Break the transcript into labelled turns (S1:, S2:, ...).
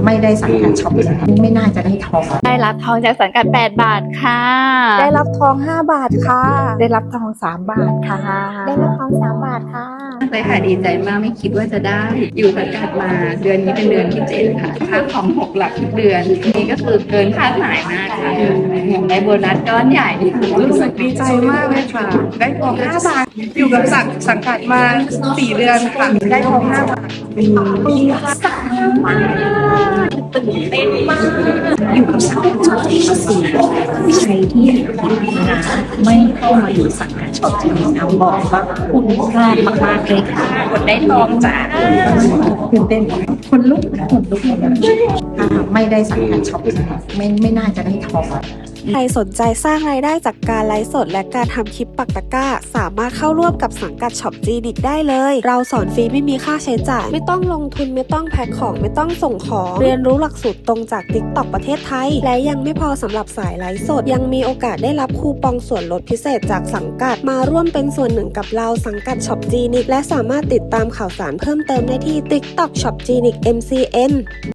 S1: ไม่ได้สังกัดช็อปไม่น่าจะได้ทอง
S2: ได้รับทองจากสังกัด8 บาทค่ะ
S3: ได้รับทอง5 บาทค่ะ
S1: ได้รับทอง3 บาทค่ะ
S3: ได้รับทอง3 บาทค่ะ
S4: เลยค่ะดีใจมากไม่คิดว่าจะได้อยู่สังกัดมาเดือนนี้เป็นเดือนที่7ค่ะค่าของ6 หลักทุกเดือนนี่ก็คือเกินคาดหมายมากค่ะอย่างได้โบนัสก้อนใหญ่
S5: รู้สึกดีใจมากเลยค่ะได้ทอง5 บาทอยู่กับสังกัดมา4 เดือนค่ะได้ทอง5 บาท
S1: ดีใจมากตื่นเต้นมากอยู่กับสังกัดช็อปมา4 ใครที่นะไม่เข้ามาอยู่สังกัดช็อปจริงๆนะบอกว่าคุณพลาดมากๆเลยค่ะคนได้ทองจ้าตื่นเต้นคนลุกไม่ได้สังกัดช็อปไม่น่าจะได้ทอง
S3: ใครสนใจสร้างรายได้จากการไลฟ์สดและการทำคลิปปักตะกร้าสามารถเข้าร่วมกับสังกัดช็อปจีนิกได้เลยเราสอนฟรีไม่มีค่าใช้จ่ายไม่ต้องลงทุนไม่ต้องแพ็คของไม่ต้องส่งของเรียนรู้หลักสูตรตรงจาก TikTok ประเทศไทยและยังไม่พอสำหรับสายไลฟ์สดยังมีโอกาสได้รับคูปองส่วนลดพิเศษจากสังกัดมาร่วมเป็นส่วนหนึ่งกับเราสังกัดช็อปจีนิกและสามารถติดตามข่าวสารเพิ่มเติมได้ที่ TikTok ช็อปจีนิก MCN